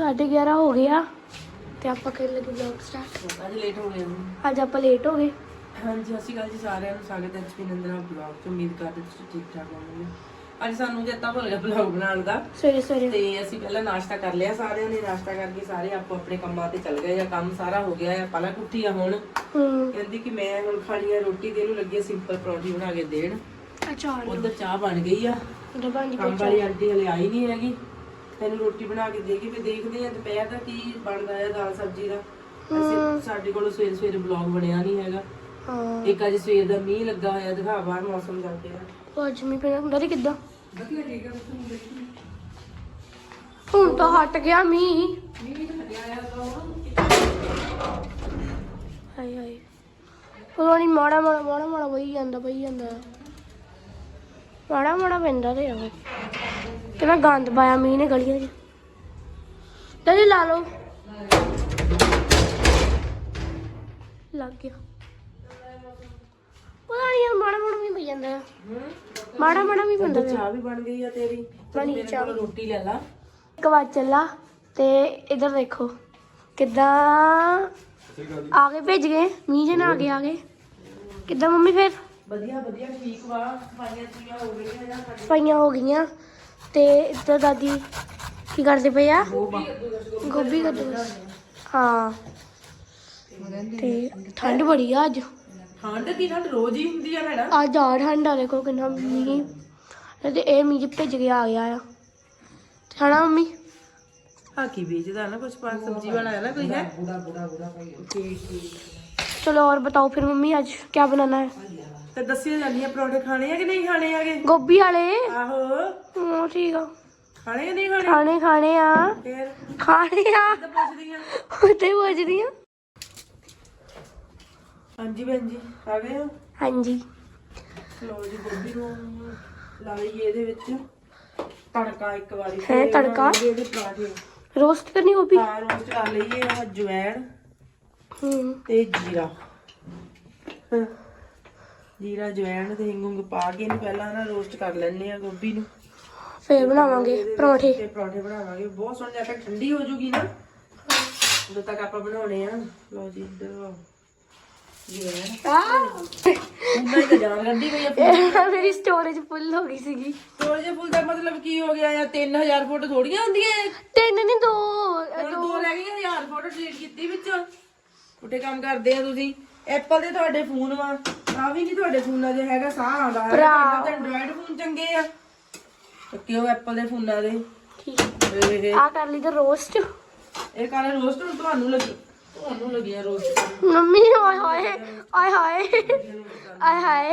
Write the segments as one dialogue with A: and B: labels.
A: 11:30 ਹੋ गया ਤੇ ਆਪਾਂ ਕਰਨ ਲੱਗੇ ਵਲੌਗ ਸਟਾਰਟ।
B: ਅੱਜ ਲੇਟ ਹੋ ਗਏ
A: ਅੱਜ ਆਪਾਂ ਲੇਟ ਹੋ ਗਏ।
B: ਹਾਂਜੀ ਸਤਿ ਸ਼੍ਰੀ ਅਕਾਲ ਜੀ ਸਾਰਿਆਂ ਨੂੰ, ਸਵਾਗਤ ਹੈ ਜੀ ਨੰਦਨਾ ਵਲੌਗ ਚ। ਉਮੀਦ ਕਰਦੇ ਤੁਸੀਂ ਠੀਕ ਠਾਕ ਹੋਵੋਗੇ। ਅੱਜ ਸਾਨੂੰ ਚੇਤਾ ਭੁੱਲ ਗਿਆ ਵਲੌਗ ਬਣਾਉਣ ਦਾ
A: ਸਵੇਰੇ ਸਵੇਰੇ,
B: ਤੇ ਅਸੀਂ ਪਹਿਲਾਂ ਨਾਸ਼ਤਾ ਕਰ ਲਿਆ। ਸਾਰਿਆਂ ਨੇ ਨਾਸ਼ਤਾ ਕਰਕੇ ਸਾਰੇ ਆਪੋ ਆਪਣੇ ਕੰਮਾਂ ਤੇ ਚੱਲ ਗਏ ਆ। ਕੰਮ ਸਾਰਾ ਹੋ ਗਿਆ ਆ। ਪਲਕ ਉੱਠੀ ਆ ਹੁਣ, ਕਹਿੰਦੀ ਕਿ ਮੈਂ ਹੁਣ ਖਾਣੀ ਆ ਰੋਟੀ। ਤੇ ਇਹਨੂੰ ਲੱਗੀ ਸਿੰਪਲ ਪਰੌਂਠੀ ਬਣਾ ਕੇ ਦੇਣ।
A: ਅਚਾਰ
B: ਉਧਰ ਚਾਹ ਬਣ ਗਈ ਆ। ਕੰਮ ਵਾਲੀ ਆਂਟੀ ਹਲੇ ਆਈ ਨਹੀਂ ਹੈਗੀ। ਤੈਨੂੰ ਰੋਟੀ ਬਣਾ ਕੇ ਦੇ ਕੇ ਫਿਰ ਦੇਖਦੇ ਆ ਦੁਪਹਿਰ ਦਾ ਕੀ ਬਣਦਾ ਹੈ, ਦਾਲ ਸਬਜ਼ੀ ਦਾ। ਅਸੀਂ ਸਾਡੇ ਕੋਲ ਸਵੇਰੇ ਸਵੇਰੇ ਵਲੌਗ ਬਣਿਆ ਨਹੀਂ ਹੈਗਾ। ਇੱਕ ਅੱਜ ਸਵੇਰ ਦਾ ਮੀਂਹ ਲੱਗਾ ਹੋਇਆ, ਦਿਖਾ ਬਾਹਰ ਮੌਸਮ ਜਾਂਦੇ ਆ।
A: ਅੱਜ ਮੀਂਹ ਪਿਆ ਹੁੰਦਾ ਕਿੱਦਾਂ?
B: ਵਧੀਆ ਠੀਕ ਆ। ਤੁਸੀਂ ਦੇਖੀ
A: ਹੁਣ ਤਾਂ ਹਟ ਗਿਆ ਮੀਂਹ। ਹਾਏ ਹਾਏ, ਪਤਾ ਨਹੀਂ ਮਾੜਾ ਮਾੜਾ ਵਹੀ ਜਾਂਦਾ ਮਾੜਾ ਪੈਂਦਾ ਤੇ ਉਹ ਕਿੰਨਾ ਗੰਦ ਪਾਇਆ ਮੀਂਹ ਨੇ ਗਲੀਆਂ 'ਚ। ਤੇ ਲਾ ਲਓ, ਲੱਗ ਗਿਆ। ਪਤਾ ਨਹੀਂ ਯਾਰ ਮਾੜਾ ਵੀ ਪਈ ਜਾਂਦਾ ਆ। ਮਾੜਾ ਵੀ ਪੈਂਦਾ।
B: ਚਾਹ ਵੀ ਬਣ ਗਈ ਆ ਤੇਰੀ।
A: ਬਣੀ ਚਾਹ,
B: ਰੋਟੀ ਲੈ ਲਾ।
A: ਇੱਕ ਵਾਰ ਚੱਲਾ ਤੇ ਇਧਰ ਦੇਖੋ ਕਿੱਦਾਂ ਆ ਗਏ, ਭੇਜ ਗਏ ਮੀਂਹ ਜੇ ਨਾ ਆ ਗਏ ਕਿੱਦਾਂ ਮੰਮੀ? ਫਿਰ
B: ਵਧੀਆ ਠੀਕ ਵਾ।
A: ਸਫਾਈਆਂ ਹੋ ਗਈਆਂ ਤੇ ਇੱਧਰ ਦਾਦੀ ਕੀ ਕਰਦੇ ਪਏ ਆ? ਗੋਭੀ ਕੱਦੂ। ਹਾਂ ਤੇ ਠੰਡ ਬੜੀ ਆ ਅੱਜ।
B: ਠੰਡ ਕੀ ਠੰਡ ਰੋਜ਼ ਹੀ ਹੁੰਦੀ ਆ ਭੈਣਾ।
A: ਅੱਜ ਆ ਠੰਡ ਆ, ਦੇਖੋ ਕਿੰਨਾ ਮੀਂਹ। ਤੇ ਇਹ ਮੀਂਹ ਭੇਜ ਕੇ ਆ ਗਿਆ ਆ ਹਨਾ ਮੰਮੀ?
B: ਹਾਂ ਕੀ ਵੇਚਦਾ ਨਾ ਕੁछ पास सब्जी वाला है ना कोई है।
A: चलो और बताओ फिर मम्मी आज क्या बनाना है?
B: ਤੇ ਦੱਸੀ ਜਾਂਦੀ ਆ ਪਰੌਂਠੇ ਖਾਣੇ ਆ ਕਿ ਨਹੀਂ ਖਾਣੇ ਆਗੇ?
A: गोभी वाले?
B: ਆਹੋ
A: ठीक है,
B: ਖਾਣੇ ਕਿ ਨਹੀਂ ਖਾਣੇ?
A: खाने आ
B: ਫੇਰ
A: खाने आ
B: ਤਾਂ ਪੁੱਛਦੀ ਆ।
A: उते पूछ रही हूँ।
B: ਹਾਂਜੀ ਭੈਣ ਜੀ ਆ ਗਏ ਹੋ?
A: हाँ जी,
B: ਲੋ ਜੀ ਗੋਭੀ ਨੂੰ ਲਾ ਲਈਏ ਇਹਦੇ ਵਿੱਚ ਤੜਕਾ ਇੱਕ ਵਾਰੀ।
A: ਹੈ ਤੜਕਾ?
B: ਇਹਦੇ ਪਰਾਂਠੇ
A: रोस्ट करनी गोभी?
B: ਹਾਂ ਰੋਸਟ ਕਰ ਲਈਏ। ਆਹ ਜਵੈਣ ਤੇ ਜੀਰਾ, ਜੀਰਾ ਜਵੈਣ ਤੇ ਹਿੰਗ ਪਾ ਕੇ ਇਹਨੂੰ ਪਹਿਲਾਂ ਨਾ ਰੋਸਟ ਕਰ ਲੈਣੇ ਆ ਗੋਭੀ ਨੂੰ।
A: फिर बनावांगे पराठे।
B: ਤੇ ਪਰੌਂਠੇ ਬਣਾਵਾਂਗੇ। ਬਹੁਤ ਸੋਹਣੀ ਜਦ ਤੱਕ ਠੰਡੀ ਹੋ ਜੂਗੀ ਨਾ ਉਦੋਂ ਤੱਕ ਆਪਾਂ ਬਣਾਉਣੇ ਆ। ਲਓ ਜੀ ਇੱਧਰ ਉਹਨਾਂ ਦੀ ਜਾਨ ਕੱਢੀ ਪਈ ਆ।
A: मेरी स्टोरेज फुल हो गई सीगी।
B: ਥੋੜੇ ਜਿਹੇ ਫੁੱਲ ਦਾ ਮਤਲਬ ਕੀ ਹੋ ਗਿਆ ਆ? 3000 ਫੋਟੋ ਥੋੜੀਆਂ ਹੁੰਦੀਆਂ।
A: 3 नहीं 2
B: ਦੋ ਰਹਿ ਗਈਆਂ। 1000 ਫੋਟੋ ਡਿਲੀਟ ਕੀਤੀ ਵਿੱਚੋਂ। ਉੱਠੇ ਕੰਮ ਕਰਦੇ ਆ ਤੁਸੀਂ। ਐਪਲ ਦੇ ਤੁਹਾਡੇ ਫੋਨ ਵਾ, ਆ ਵੀ ਨਹੀਂ ਤੁਹਾਡੇ ਫੋਨਾਂ 'ਚ ਹੈਗਾ। ਸਾਹ ਆਉਂਦਾ ਹੈ ਤੇ ਐਂਡਰੋਇਡ ਫੋਨ ਚੰਗੇ ਆ। ਕਿਉਂ ਐਪਲ ਦੇ ਫੋਨਾਂ ਦੇ
A: ठीक आ कर ली तो रोस्ट।
B: ਇਹ ਕਾਲੇ ਰੋਸਟ ਨੂੰ ਤੁਹਾਨੂੰ ਲੱਗਿਆ ਰੋਸਟ।
A: मम्मी हाय हाय हाय हाय हाय हाय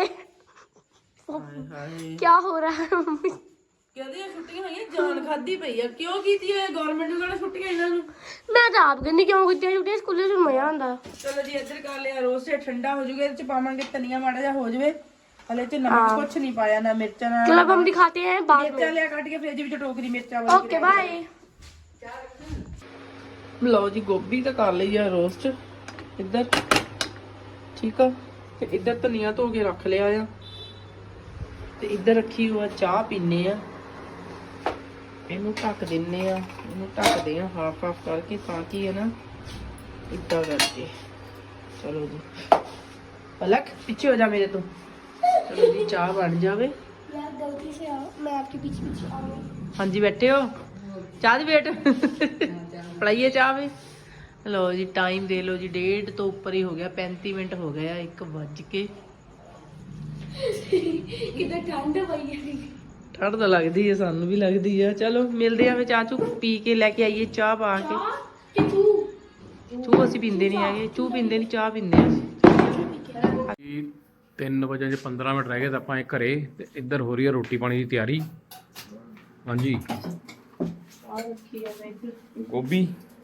B: ਹਾਏ
A: क्या हो रहा है मम्मी?
B: ਕਹਿੰਦੇ ਆ ਛੁੱਟੀਆਂ ਹੋਈਆਂ, ਜਾਨ ਖਾਦੀ ਪਈ ਆ। ਕਿਉਂ ਕੀਤੀ ਹੈ ਗਵਰਨਮੈਂਟ ਨੂੰ? ਕਹਿੰਦਾ ਛੁੱਟੀਆਂ ਇਹਨਾਂ ਨੂੰ।
A: मैं तो आप कहनी क्यों की छुट्टियां स्कूल से मजा आंदा।
B: ਚਲੋ ਜੀ ਇੱਧਰ ਕਰ ਲਿਆ ਰੋਸਟ। ਠੰਡਾ ਹੋ ਜੂਗਾ। ਇਹਦੇ ਚ ਪਾਵਾਂਗੇ ਧਨੀਆ ਮਾੜਾ ਜਿਹਾ ਹੋ ਜਵੇ। ਹਲੇ ਚ ਨਮਕ ਕੁਛ ਨਹੀਂ ਪਾਇਆ, ਨਾ ਮਿਰਚਾਂ ਨਾ।
A: चलो अब हम दिखाते हैं बाद में।
B: ਮਿਰਚਾਂ ਲਿਆ ਕੱਢ ਕੇ ਫ੍ਰਿਜ ਵਿੱਚ ਟੋਕਰੀ ਮਿਰਚਾਂ ਵਾਲੀ।
A: Okay bye.
B: ਲਓ ਜੀ ਗੋਭੀ ਤਾਂ ਕਰ ਲਈ ਆ ਰੋਸਟ ਇੱਧਰ, ਠੀਕ ਆ। ਤੇ ਇੱਧਰ ਧਨੀਆ ਧੋ ਕੇ ਰੱਖ ਲਿਆ ਆ। ਤੇ ਇੱਧਰ ਰੱਖੀ ਹੋਆ ਚਾਹ ਪੀਨੇ ਆ। ਇਹਨੂੰ ਢੱਕ ਦਿੰਨੇ ਆ। ਇਹਨੂੰ ਢੱਕਦੇ ਆ ਹਾਫ ਕਰਕੇ ਤਾਂ ਕਿ ਹੈ ਨਾ ਇੱਦਾਂ ਕਰਕੇ। ਚਲੋ ਜੀ ਪਲਕ ਪਿੱਛੇ ਹੋ ਜਾ ਮੇਰੇ ਤੋਂ। ਚਲੋ ਜੀ ਚਾਹ ਬਣ ਜਾਵੇ।
A: यार गलती से आओ, मैं आपके पीछे आ रहा हूं।
B: ਹਾਂਜੀ ਬੈਠੇ ਹੋ? ਚਾਹ ਦੀ ਵੇਟ ਪੜਾਈਏ ਚਾਹ ਵੀ। ਲਓ ਜੀ ਟਾਈਮ ਦੇ ਲਓ ਜੀ 1:30 ਤੋਂ ਉੱਪਰ ਹੀ ਹੋ ਗਿਆ। 35 ਮਿੰਟ ਹੋ ਗਏ ਆ। 1 ਵੱਜ ਕੇ।
A: किधर ठंड पई है।
B: ਠੰਡ ਤਾਂ ਲੱਗਦੀ ਹੈ, ਸਾਨੂੰ ਵੀ ਲੱਗਦੀ ਆ। ਚਲੋ ਮਿਲਦੇ ਆ ਫਿਰ। ਚਾਹ ਚੂ ਪੀ ਕੇ ਲੈ ਕੇ ਆਈਏ ਚਾਹ ਪਾ ਕੇ।
A: कि तू
B: ਚੂ ਅਸੀਂ ਪੀਂਦੇ ਨਹੀਂ ਹੈਗੇ। ਚੂ ਪੀਂਦੇ ਨਹੀਂ, ਚਾਹ ਪੀਂਦੇ ਆ ਅਸੀਂ।
C: 3 ਵਜੇ 15 ਮਿੰਟ ਰਹਿ ਗਏ ਤਾਂ ਆਪਾਂ ਘਰੇ। ਤੇ ਇੱਧਰ ਹੋ ਰਹੀ ਹੈ ਰੋਟੀ ਪਾਣੀ ਦੀ ਤਿਆਰੀ। ਹਾਂਜੀ ਗੋਭੀ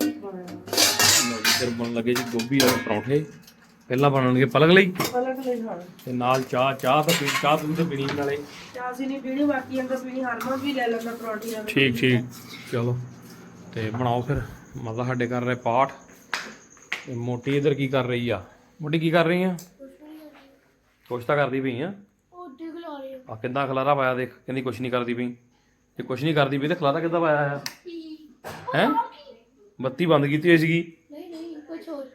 C: ਇੱਧਰ ਬਣਨ ਲੱਗੇ ਜੀ ਗੋਭੀ ਵਾਲੇ ਪਰੌਂਠੇ। ਪਹਿਲਾਂ ਬਣਨਗੇ ਪਲਕ ਲਈ ਤੇ ਨਾਲ ਚਾਹ ਤਾਂ ਚਾਹ ਤੁਸੀਂ ਤਾਂ ਪੀਣੀ ਨਾਲੇ।
B: ਚਾਹ ਅਸੀਂ ਨਹੀਂ ਪੀਣੀ, ਬਾਕੀ ਅੰਦਰ ਪੀਣੀ। ਹਰਮਨ ਵੀ ਲੈ ਲੈਂਦਾ ਪਰੌਂਠੀ ਨਾਲ।
C: ਠੀਕ ਚਲੋ ਤੇ ਬਣਾਓ ਫਿਰ। ਮਤਲਬ ਸਾਡੇ ਕਰ ਰਹੇ ਪਾਠ। ਤੇ ਮੋਟੀ ਇੱਧਰ ਕੀ ਕਰ ਰਹੀ ਆ? ਮੋਟੀ ਕੀ ਕਰ ਰਹੀ ਆ? ਕੁਛ ਤਾਂ ਕਰਦੀ ਪਈ ਆ। ਆ ਕਿੱਦਾਂ ਖਲਾਰਾ ਪਾਇਆ ਦੇਖ। ਕਹਿੰਦੀ ਕੁਛ ਨਹੀਂ ਕਰਦੀ ਪਈ। ਜੇ ਕੁਛ ਨਹੀਂ ਕਰਦੀ ਪਈ ਤੇ ਖਲਾਰਾ ਕਿੱਦਾਂ ਪਾਇਆ ਆ? ਹੈ ਬੱਤੀ ਬੰਦ ਕੀਤੀ ਹੋਈ ਸੀਗੀ।
A: नहीं कुछ और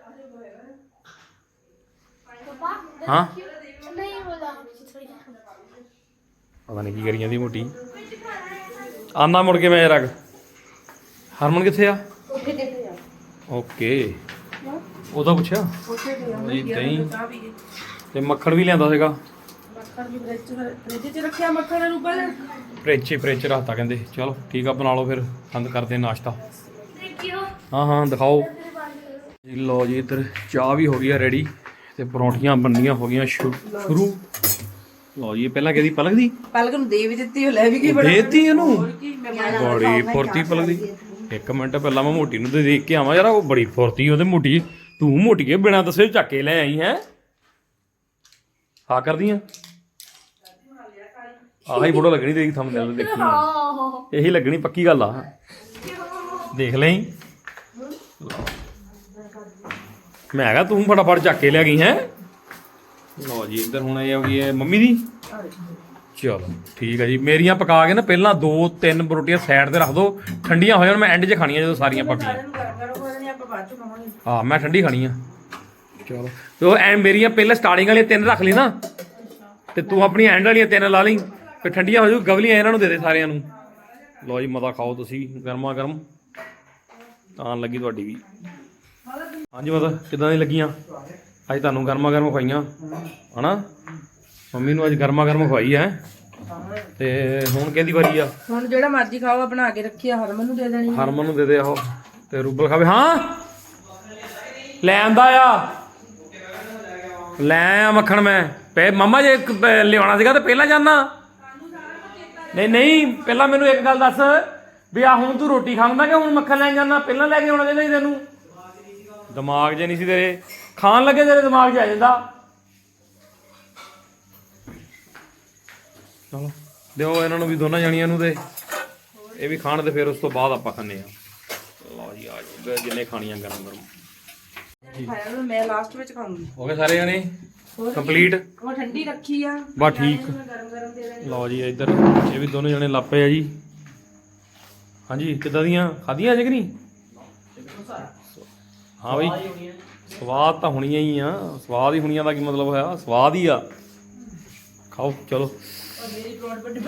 A: पापा
C: हाँ
A: नहीं बोला थोड़ी
C: ਪਤਾ ਨਹੀਂ ਕੀ ਕਰੀ ਜਾਂਦੀ ਮੋਟੀ। ਆਨਾ ਮੁੜ ਕੇ ਮੈਂ ਰੱਖ। ਹਰਮਨ ਕਿੱਥੇ ਆ? ਓਕੇ ਉਹਦਾ ਪੁੱਛਿਆ ਜੀ। ਦਹੀਂ ਤੇ ਮੱਖਣ ਵੀ ਲਿਆਂਦਾ ਸੀਗਾ।
B: ਫ੍ਰਿਜ 'ਚ ਰੱਖਿਆ ਮੱਖਣ ਰੂਪਾ ਨੇ।
C: ਫ੍ਰਿਜ ਰੱਖਤਾ ਕਹਿੰਦੇ। ਚਲੋ ਠੀਕ ਆ, ਬਣਾ ਲਓ ਫਿਰ, ਬੰਦ ਕਰਦੇ ਹਾਂ ਨਾਸ਼ਤਾ।
A: देखियो
C: ਹਾਂ ਦਿਖਾਓ ਜੀ। ਲਓ ਜੀ ਇੱਧਰ ਚਾਹ ਵੀ ਹੋ ਗਈ ਆ ਰੈਡੀ ਤੇ ਪਰੌਂਠੀਆਂ ਬਣਨੀਆਂ ਹੋ ਗਈਆਂ ਸ਼ੁਰੂ। ਲਓ ਜੀ ਪਹਿਲਾਂ ਕਿਹਦੀ ਪਲਕ ਦੀ?
B: ਪਲਕ ਨੂੰ ਦੇ ਵੀ ਦਿੱਤੀ, ਉਹ ਲੈ ਵੀ ਗਈ।
C: ਦੇਤੀ ਇਹਨੂੰ ਬੜੀ ਫੁਰਤੀ ਪਲਕ ਦੀ। ਇੱਕ ਮਿੰਟ ਪਹਿਲਾਂ ਮੈਂ ਮੋਟੀ ਨੂੰ ਤੇ ਦੇਖ ਕੇ ਆਵਾਂ ਯਾਰ, ਉਹ ਬੜੀ ਫੁਰਤੀ ਉਹਦੇ ਮੋਟੀ। ਤੂੰ ਮੋਟੀਏ ਬਿਨਾਂ ਦੱਸੇ ਚੱਕ ਕੇ ਲੈ ਆਈ ਹੈ। ਆ ਕਰਦੀ ਆ ਆਹੀ ਫੋਟੋ ਲੱਗਣੀ ਤੇਰੀ ਥੰਬਨੇਲ ਤੇ ਦੇਖੀ। ਇਹੀ ਲੱਗਣੀ ਪੱਕੀ ਗੱਲ ਆ, ਦੇਖ ਲਈ। ਮੈਂ ਹੈਗਾ ਤੂੰ ਫਟਾਫਟ ਚੱਕ ਕੇ ਲਿਆ ਗਈ ਹੈ। ਲਓ ਜੀ ਇੱਧਰ ਹੁਣ ਇਹ ਹੋ ਗਈ ਹੈ ਮੰਮੀ ਦੀ। ਚਲੋ ਠੀਕ ਹੈ ਜੀ। ਮੇਰੀਆਂ ਪਕਾ ਕੇ ਨਾ ਪਹਿਲਾਂ 2-3 ਰੋਟੀਆਂ ਸਾਈਡ ਤੇ ਰੱਖ ਦੋ, ਠੰਡੀਆਂ ਹੋ ਜਾਣ। ਮੈਂ ਐਂਡ 'ਚ ਖਾਣੀਆਂ ਜਦੋਂ ਸਾਰੀਆਂ ਪੱਕੀਆਂ। ਹਾਂ ਮੈਂ ਠੰਡੀ ਖਾਣੀ ਆ। ਚਲੋ ਤੇ ਉਹ ਐ ਮੇਰੀਆਂ ਪਹਿਲਾਂ ਸਟਾਰਟਿੰਗ ਵਾਲੀਆਂ 3 ਰੱਖ ਲਈ ਨਾ, ਤੇ ਤੂੰ ਆਪਣੀਆਂ ਐਂਡ ਵਾਲੀਆਂ 3 ਲਾ ਲਈ, ਫਿਰ ਠੰਡੀਆਂ ਹੋ ਜਾਊ। ਗਵਲੀਆਂ ਇਹਨਾਂ ਨੂੰ ਦੇ ਦੇ ਸਾਰਿਆਂ ਨੂੰ। ਲਓ ਜੀ ਮਤਾ ਖਾਓ ਤੁਸੀਂ, ਗਰਮਾ ਗਰਮ ਆਉਣ ਲੱਗੀ ਤੁਹਾਡੀ ਵੀ। ਹਾਂਜੀ ਮਤਾ ਕਿੱਦਾਂ ਦੀ ਲੱਗੀਆਂ? ਅੱਜ ਤੁਹਾਨੂੰ ਗਰਮਾ ਗਰਮ ਖਵਾਈਆਂ ਹਨਾ। ਮੰਮੀ ਨੂੰ ਅੱਜ ਗਰਮਾ ਗਰਮ ਖਵਾਈ ਹੈ। ਤੇ ਹੁਣ ਕਿਹਦੀ ਵਾਰੀ ਆ?
B: ਹੁਣ ਜਿਹੜਾ ਮਰਜ਼ੀ ਖਾਓ, ਬਣਾ ਕੇ ਰੱਖੀ ਆ, ਹਰਮਨ ਨੂੰ ਦੇ ਦੇਣੀ।
C: ਹਰਮਨ ਨੂੰ ਦੇ ਦੇ ਆਹੋ, ਤੇ ਰੂਬਲ ਖਾਵੇ। ਹਾਂ ਲੈ ਆਂਦਾ ਆ, ਲੈ ਆ ਮੱਖਣ। ਮੈਂ ਪੇ ਮੰਮਾ ਜੇ ਲਿਆਉਣਾ ਸੀਗਾ ਤਾਂ ਪਹਿਲਾਂ ਜਾਣਾ। ਨਹੀਂ ਪਹਿਲਾਂ ਮੈਨੂੰ ਇੱਕ ਗੱਲ ਦੱਸ ਵੀ ਆ ਹੁਣ ਤੂੰ ਰੋਟੀ ਖਾਂਦਾ ਕਿ ਹੁਣ ਮੱਖਣ ਲੈਣ ਜਾਣਾ? ਪਹਿਲਾਂ ਲੈ ਕੇ ਆਉਣਾ ਚਾਹੀਦਾ ਸੀ ਤੈਨੂੰ। ਦਿਮਾਗ 'ਚ ਨਹੀਂ ਸੀ ਤੇਰੇ, ਖਾਣ ਲੱਗੇ ਤੇਰੇ ਦਿਮਾਗ 'ਚ ਆ ਜਾਂਦਾ। ਚਲੋ ਦਿਓ ਇਹਨਾਂ ਨੂੰ ਵੀ, ਦੋਨਾਂ ਜਾਣੀਆਂ ਨੂੰ, ਤੇ ਇਹ ਵੀ ਖਾਣ ਤੇ ਫਿਰ ਉਸ ਤੋਂ ਬਾਅਦ ਆਪਾਂ ਖਾਂਦੇ ਆ। ਲਓ ਜੀ ਆ ਜਾਓ ਜਿੰਨੇ ਖਾਣੀਆਂ ਗਰਮ ਗਰਮ।
B: ਮੈਂ ਲਾਸਟ ਵਿੱਚ ਖਾਊਂਗੀ।
C: ਹੋ ਗਏ ਸਾਰੇ ਜਾਣੇ ਕੰਪਲੀਟ?
B: ਉਹ ਠੰਡੀ ਰੱਖੀ ਆ।
C: ਬਸ ਠੀਕ।
B: ਗਰਮ ਗਰਮ ਦੇ ਦੇਣੀ।
C: ਲਓ ਜੀ ਇੱਧਰ ਇਹ ਵੀ ਦੋਨੋਂ ਜਣੇ ਲੱਪੇ ਆ ਜੀ। ਹਾਂਜੀ ਕਿੱਦਾਂ ਦੀਆਂ ਖਾਧੀਆਂ ਅਜੇ ਕਿ ਨਹੀਂ? ਹਾਂ ਬਈ ਸਵਾਦ ਤਾਂ ਹੋਣੀਆਂ ਹੀ ਆ। ਸਵਾਦ ਹੀ ਹੋਣੀਆਂ ਦਾ ਕੀ ਮਤਲਬ ਹੋਇਆ? ਸਵਾਦ ਹੀ ਆ। ਖਾਓ ਚਲੋ।
B: ਮੇਰੀ ਪਰੌਂਠ ਵੱਡੀ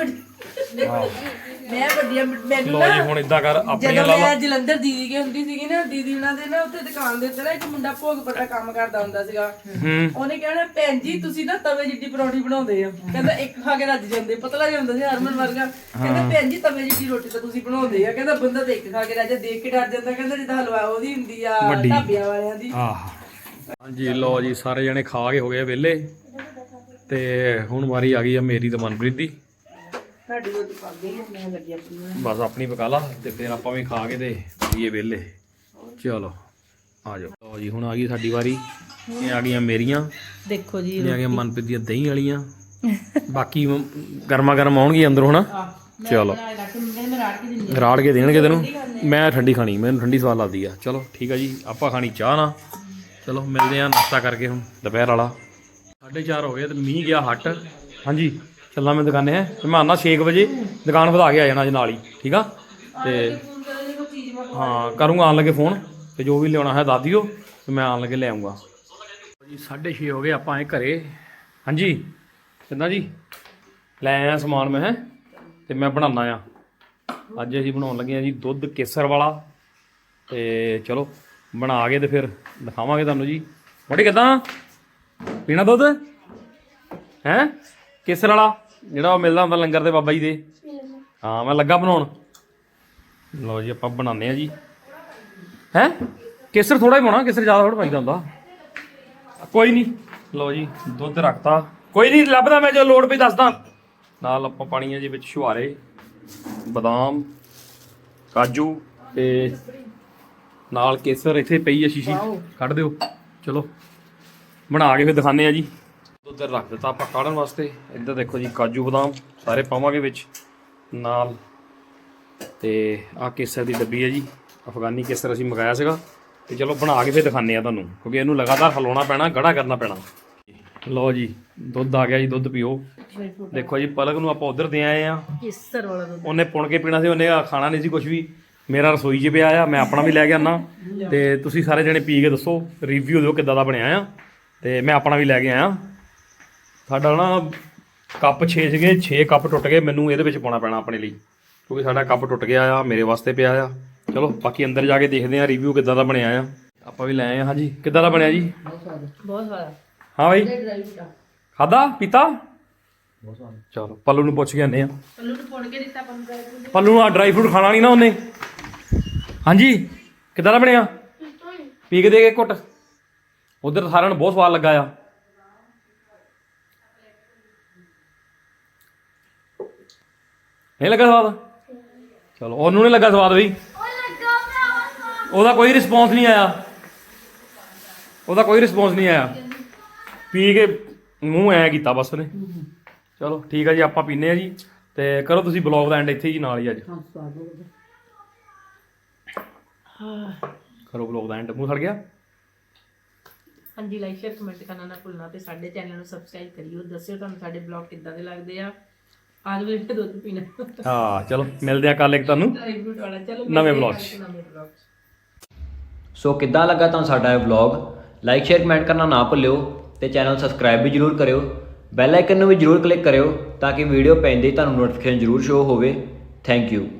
B: ਮੈਂ ਵੱਡੀਆਂ ਮੈਨੂੰ
C: ਲਓ ਜੀ ਹੁਣ ਇਦਾਂ ਕਰ ਆਪਣੀਆਂ
B: ਜਦੋਂ
C: ਲਾ ਲਾ।
B: ਮੈਂ ਜਲੰਧਰ ਦੀਦੀ ਕੇ ਹੁੰਦੀ ਸੀਗੀ ਨਾ, ਦੀਦੀ ਉਹਨਾਂ ਦੇ ਨਾ ਉੱਥੇ ਦੁਕਾਨ ਦੇ ਉੱਤੇ ਨਾ ਇੱਕ ਮੁੰਡਾ ਭੋਗ ਪੱਤਾ ਕੰਮ ਕਰਦਾ ਹੁੰਦਾ ਸੀਗਾ। ਉਹਨੇ ਕਹਿਣਾ ਭੈਣ ਜੀ ਤੁਸੀਂ ਨਾ ਤਵੇ ਜਿੱਡੀ ਪਰੌਂਠੀ ਬਣਾਉਂਦੇ ਆ। ਕਹਿੰਦਾ ਇੱਕ ਖਾ ਕੇ ਰੱਜ ਜਾਂਦੇ, ਪਤਲਾ ਜਿਹਾ ਹੁੰਦਾ ਸੀ ਹਰਮਨ ਵਰਗਾ। ਕਹਿੰਦਾ ਭੈਣ ਜੀ ਤਵੇ ਜਿੱਡੀ ਰੋਟੀ ਤਾਂ ਤੁਸੀਂ ਬਣਾਉਂਦੇ ਆ। ਕਹਿੰਦਾ ਬੰਦਾ ਤਾਂ ਇੱਕ ਖਾ ਕੇ ਰੱਜ, ਦੇਖ ਕੇ ਡਰ ਜਾਂਦਾ। ਕਹਿੰਦਾ ਜਿੱਦਾਂ ਹਲਵਾ ਉਹਦੀ ਹੁੰਦੀ ਆ ਢਾਬਿਆਂ ਵਾਲਿਆਂ ਦੀ।
C: ਆਹ ਹਾਂਜੀ ਲਓ ਜੀ ਸਾਰੇ ਜਣੇ ਖਾ ਕੇ ਹੋ ਗਏ ਵਿਹਲੇ, ਤੇ ਹੁਣ ਵਾਰੀ ਆ ਗਈ ਆ ਮੇਰੀ ਤੇ ਮਨਪ੍ਰੀਤ ਦੀ।
B: ਸਾਡੀ ਰੋਟੀ ਪੱਕ ਗਈ, ਮੈਂ ਲੱਗੀ ਆਪਣੀ।
C: ਬਸ ਆਪਣੀ ਪਕਾ ਲਾ ਤੇ ਫਿਰ ਆਪਾਂ ਵੀ ਖਾ ਕੇ ਤੇ ਹੋਈਏ ਵਿਹਲੇ। ਚਲੋ ਆ ਜਾਓ। ਲਓ ਜੀ ਹੁਣ ਆ ਗਈ ਸਾਡੀ ਵਾਰੀ। ਇਹ ਆ ਗਈਆਂ ਮੇਰੀਆਂ,
B: ਦੇਖੋ ਜੀ
C: ਇਹ ਆ ਗਈਆਂ ਮਨਪ੍ਰੀਤ ਦੀਆਂ ਦਹੀਂ ਵਾਲੀਆਂ। ਬਾਕੀ ਗਰਮਾ ਗਰਮ ਆਉਣਗੀਆਂ ਅੰਦਰੋਂ ਹਨਾ। ਚਲੋ ਰਾੜ ਕੇ ਦੇਣਗੇ ਤੈਨੂੰ। ਮੈਂ ਠੰਡੀ ਖਾਣੀ, ਮੈਨੂੰ ਠੰਡੀ ਸਵਾਦ ਲੱਗਦੀ ਆ। ਚਲੋ ਠੀਕ ਆ ਜੀ, ਆਪਾਂ ਖਾਣੀ ਚਾਹ ਨਾ। ਚਲੋ ਮਿਲਦੇ ਆ ਨਾਸ਼ਤਾ ਕਰਕੇ ਹੁਣ ਦੁਪਹਿਰ ਵਾਲਾ। 4:30 ਹੋ ਗਏ ਤੇ ਮੀਂਹ ਗਿਆ ਹਟ। ਹਾਂਜੀ ਚੱਲਾਂ ਮੈਂ ਦੁਕਾਨੇ ਹੈ, ਤੇ ਮੈਂ ਆਉਣਾ 6 ਵਜੇ ਦੁਕਾਨ ਵਧਾ ਕੇ ਆ ਜਾਣਾ ਜੀ ਨਾਲ ਹੀ। ਠੀਕ ਆ ਤੇ ਹਾਂ ਕਰੂੰਗਾ ਆਉਣ ਲੱਗੇ ਫੋਨ, ਤੇ ਜੋ ਵੀ ਲਿਆਉਣਾ ਹੈ ਦੱਸ ਦਿਓ ਤੇ ਮੈਂ ਆਉਣ ਲੱਗੇ ਲੈ ਆਉਂਗਾ ਜੀ। 6:30 ਹੋ ਗਏ, ਆਪਾਂ ਆਏ ਘਰੇ। ਹਾਂਜੀ ਕਿੱਦਾਂ ਜੀ? ਲੈ ਆਇਆ ਸਮਾਨ ਮੈਂ ਹੈ, ਤੇ ਮੈਂ ਬਣਾਉਣਾ ਆ। ਅੱਜ ਅਸੀਂ ਬਣਾਉਣ ਲੱਗੇ ਆ ਜੀ ਦੁੱਧ ਕੇਸਰ ਵਾਲਾ। ਤੇ ਚਲੋ ਬਣਾ ਕੇ ਤੇ ਫਿਰ ਦਿਖਾਵਾਂਗੇ ਤੁਹਾਨੂੰ ਜੀ। ਮੋਟੀ ਕਿੱਦਾਂ ਪੀਣਾ ਦੁੱਧ ਹੈ? ਕੇਸਰ ਵਾਲਾ ਜਿਹੜਾ ਉਹ ਮਿਲਦਾ ਹੁੰਦਾ ਲੰਗਰ ਤੇ ਬਾਬਾ ਜੀ ਦੇ। ਹਾਂ ਮੈਂ ਲੱਗਾ ਬਣਾਉਣ। ਲਓ ਜੀ ਆਪਾਂ ਬਣਾਉਂਦੇ ਆ ਜੀ। ਹੈ ਕੇਸਰ ਥੋੜਾ ਹੀ ਪਾਉਣਾ, ਕੇਸਰ ਜ਼ਿਆਦਾ ਥੋੜਾ ਪਾਈਦਾ ਹੁੰਦਾ। ਕੋਈ ਨਹੀਂ। ਲਓ ਜੀ ਦੁੱਧ ਰੱਖਤਾ, ਕੋਈ ਨਹੀਂ ਲੱਭਦਾ ਮੈਂ, ਜੋ ਲੋੜ ਪਈ ਦੱਸਦਾ। ਨਾਲ ਆਪਾਂ ਪਾਣੀ ਆ ਜੀ ਵਿੱਚ ਛੁਹਾਰੇ, ਬਦਾਮ, ਕਾਜੂ, ਤੇ ਨਾਲ ਕੇਸਰ ਇੱਥੇ ਪਈ ਆ ਸ਼ੀਸ਼ੀ, ਕੱਢ ਦਿਓ। ਚਲੋ ਬਣਾ ਕੇ ਫਿਰ ਦਿਖਾਉਂਦੇ ਆ ਜੀ। ਦੁੱਧ ਰੱਖ ਦਿੱਤਾ ਆਪਾਂ ਕਾੜਨ ਵਾਸਤੇ। ਇੱਧਰ ਦੇਖੋ ਜੀ ਕਾਜੂ ਬਦਾਮ ਸਾਰੇ ਪਾਵਾਂਗੇ ਵਿੱਚ ਨਾਲ। ਤੇ ਆਹ ਕੇਸਰ ਦੀ ਡੱਬੀ ਹੈ ਜੀ, ਅਫਗਾਨੀ ਕੇਸਰ ਅਸੀਂ ਮੰਗਾਇਆ ਸੀਗਾ। ਤੇ ਚਲੋ ਬਣਾ ਕੇ ਫਿਰ ਦਿਖਾਉਂਦੇ ਆ ਤੁਹਾਨੂੰ, ਕਿਉਂਕਿ ਇਹਨੂੰ ਲਗਾਤਾਰ ਹਿਲਾਉਣਾ ਪੈਣਾ, ਗੜਾ ਕਰਨਾ ਪੈਣਾ। ਲਓ ਜੀ ਦੁੱਧ ਆ ਗਿਆ ਜੀ, ਦੁੱਧ ਪੀਓ। ਦੇਖੋ ਜੀ ਪਲਕ ਨੂੰ ਆਪਾਂ ਉਧਰ ਦੇ ਆਏ ਆ।
B: ਕੇਸਰ ਵਾਲਾ ਦੁੱਧ
C: ਉਹਨੇ ਪੁਣ ਕੇ ਪੀਣਾ ਸੀ, ਉਹਨੇ ਖਾਣਾ ਨਹੀਂ ਸੀ ਕੁਝ ਵੀ। ਮੇਰਾ ਰਸੋਈ 'ਚ ਪਿਆ ਆ, ਮੈਂ ਆਪਣਾ ਵੀ ਲੈ ਕੇ ਆਉਣਾ ਤੇ ਤੁਸੀਂ ਸਾਰੇ ਜਣੇ ਪੀ ਕੇ ਦੱਸੋ, ਰਿਵਿਊ ਦਿਓ ਕਿੱਦਾਂ ਦਾ ਬਣਿਆ ਆ। ਤੇ ਮੈਂ ਆਪਣਾ ਵੀ ਲੈ ਕੇ ਆਇਆ। ਸਾਡਾ ਨਾ ਕੱਪ 6 ਸੀਗੇ, 6 ਕੱਪ ਟੁੱਟ ਗਏ, ਮੈਨੂੰ ਇਹਦੇ ਵਿੱਚ ਪਾਉਣਾ ਪੈਣਾ ਆਪਣੇ ਲਈ, ਕਿਉਂਕਿ ਸਾਡਾ ਕੱਪ ਟੁੱਟ ਗਿਆ ਆ, ਮੇਰੇ ਵਾਸਤੇ ਪਿਆ ਆ। ਚਲੋ ਬਾਕੀ ਅੰਦਰ ਜਾ ਕੇ ਦੇਖਦੇ ਆ ਰਿਵਿਊ ਕਿੱਦਾਂ ਦਾ ਬਣਿਆ ਆ। ਆਪਾਂ ਵੀ ਲੈ ਆਏ ਹਾਂ। ਹਾਂਜੀ ਕਿੱਦਾਂ ਦਾ ਬਣਿਆ ਜੀ?
B: ਬਹੁਤ ਸਾਰਾ।
C: ਹਾਂ ਬਾਈ ਖਾਦਾ ਪੀਤਾ? ਚਲੋ ਪੱਲੂ ਨੂੰ ਪੁੱਛ ਕੇ ਆਨੇ ਆ।
B: ਪੱਲੂ ਨੂੰ ਪੁਣ ਕੇ ਦਿੱਤਾ
C: ਪੱਲੂ ਨੂੰ ਆ ਡਰਾਈ ਫਰੂਟ ਖਾਣਾ ਨਹੀਂ ਨਾ ਉਹਨੇ। ਹਾਂਜੀ ਕਿੱਦਾਂ ਦਾ ਬਣਿਆ? ਪੀ ਕੇ ਦੇ ਕੇ ਘੁੱਟ। ਉਧਰ ਸਾਰਿਆਂ ਨੂੰ ਬਹੁਤ ਸਵਾਦ ਲੱਗਾ ਆ। ਨਹੀਂ ਲੱਗਾ ਸਵਾਦ? ਚਲੋ ਉਹਨੂੰ ਨਹੀਂ ਲੱਗਾ ਸਵਾਦ ਬਈ, ਉਹਦਾ ਕੋਈ ਰਿਸਪੌਂਸ ਨਹੀਂ ਆਇਆ, ਉਹਦਾ ਕੋਈ ਰਿਸਪੌਂਸ ਨਹੀਂ ਆਇਆ। ਪੀ ਕੇ ਮੂੰਹ ਐ ਕੀਤਾ ਬਸ ਉਹਨੇ। ਚਲੋ ਠੀਕ ਆ ਜੀ, ਆਪਾਂ ਪੀਨੇ ਆ ਜੀ। ਤੇ ਕਰੋ ਤੁਸੀਂ ਬਲੌਗ ਦਾ ਐਂਡ ਇੱਥੇ ਜੀ ਨਾਲ ਹੀ ਅੱਜ ਕਰੋ ਬਲੌਗ ਦਾ ਐਂਡ। ਮੂੰਹ ਸੜ ਗਿਆ?
B: ਹਾਂਜੀ ਲਾਈਕ ਸ਼ੇਅਰ ਕਮੈਂਟ ਕਰਨਾ ਨਾ ਭੁੱਲਣਾ ਤੇ ਸਾਡੇ ਚੈਨਲ ਨੂੰ ਸਬਸਕ੍ਰਾਈਬ ਕਰਿਓ। ਦੱਸਿਓ ਤੁਹਾਨੂੰ ਸਾਡੇ ਬਲੌਗ ਕਿੱਦਾਂ ਦੇ ਲੱਗਦੇ ਆ। ਆਜ ਵੀ ਦੁੱਧ ਪੀਣਾ।
C: ਹਾਂ ਚਲੋ ਮਿਲਦੇ ਆ ਕੱਲ ਇੱਕ ਤੁਹਾਨੂੰ ਨਵੇਂ ਬਲੌਗ 'ਚ।
D: ਸੋ ਕਿੱਦਾਂ ਲੱਗਾ ਤੁਹਾਨੂੰ ਸਾਡਾ ਇਹ ਵਲੌਗ? ਲਾਈਕ ਸ਼ੇਅਰ ਕਮੈਂਟ ਕਰਨਾ ਨਾ ਭੁੱਲਿਓ ਤੇ ਚੈਨਲ ਸਬਸਕ੍ਰਾਈਬ ਵੀ ਜਰੂਰ ਕਰਿਓ। ਬੈਲ ਆਈਕਨ ਨੂੰ ਵੀ ਜਰੂਰ ਕਲਿੱਕ ਕਰਿਓ ਤਾਂ ਕਿ ਵੀਡੀਓ ਪੈਂਦੇ ਹੀ ਤੁਹਾਨੂੰ ਨੋਟੀਫਿਕੇਸ਼ਨ ਜਰੂਰ ਸ਼ੋ ਹੋਵੇ। ਥੈਂਕ ਯੂ।